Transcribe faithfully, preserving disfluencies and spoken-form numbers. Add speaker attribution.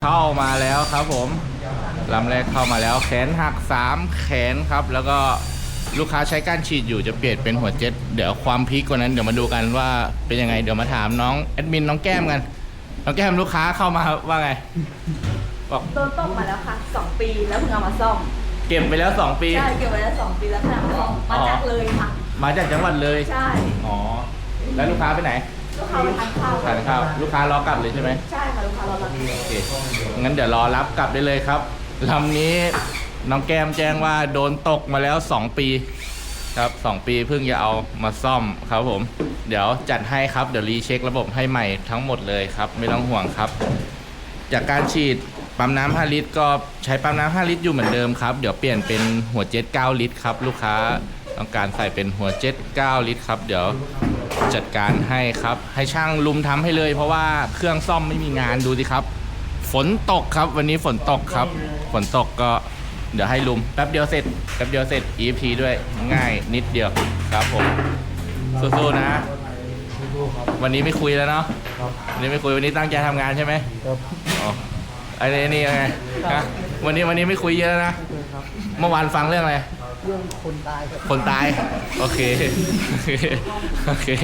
Speaker 1: เข้ามาแล้วครับผมลำแรกเข้ามาแล้วแขนหักสามแขนครับแล้วก็ลูกค้าใช้ก้านฉีดอยู่จะเปลี่ยนเป็นหัวเจ็ตเดี๋ยวความพีคกว่านั้นเดี๋ยวมาดูกันว่าเป็นยังไงเดี๋ยวมาถามน้องแอดมินน้องแก้มกันน้องแก้มลูกค้าเข้ามาว่าไงบอก
Speaker 2: โดนต้มมาแล้วค่ะสองปีแล้วเพิ่งเอามาซ่อม
Speaker 1: เก็บไปแล้วสองปี
Speaker 2: ใช่เก็บไว้แล้วสองปีแล้วเพิ่งเอามาซ่อมมาจากเลยค่ะ
Speaker 1: มาจากจังหวัดเลย
Speaker 2: ใช่
Speaker 1: อ๋อแล้วลูกค้าไปไหน
Speaker 2: ลูกค้าไปทานข้าว
Speaker 1: ทานข้าวลูกค้ารอกลับเลยใช่ไหม
Speaker 2: ใช่ค่ะลูกค้ารอรับ
Speaker 1: โอเคงั้นเดี๋ยวรอรับกลับได้เลยครับลำนี้น้องแก้มแจ้งว่าโดนตกมาแล้วสองปีครับสองปีเพิ่งจะเอามาซ่อมครับผมเดี๋ยวจัดให้ครับเดี๋ยวรีเช็คระบบให้ใหม่ทั้งหมดเลยครับไม่ต้องห่วงครับจากการฉีดปั๊มน้ำห้าลิตรก็ใช้ปั๊มน้ำห้าลิตรอยู่เหมือนเดิมครับเดี๋ยวเปลี่ยนเป็นหัวเจ็ตเก้าลิตรครับลูกค้าต้องการใส่เป็นหัวเจ็ตเก้าลิตรครับเดี๋ยวจัดการให้ครับให้ช่างลุมทำให้เลยเพราะว่าเครื่องซ่อมไม่มีงานดูสิครับฝนตกครับวันนี้ฝนตกครับฝนตกก็เดี๋ยวให้ลุมแป๊บเดียวเสร็จแป๊บเดียวเสร็จ อี เอฟ ที ด้วยง่ายนิดเดียวครับผมสู้ๆนะวันนี้ไม่คุยแล้วเนาะวันนี้ไม่คุยวันนี้ตั้งใจทำงานใช่ไหมครับอ๋อไอ้นี่นี่ไงนะวันนี้วันนี้ไม่คุยเยอะนะเมื่อวานฟังเรื่องอะไร
Speaker 3: เรื่องคนตาย
Speaker 1: คนตายโอเคโอเค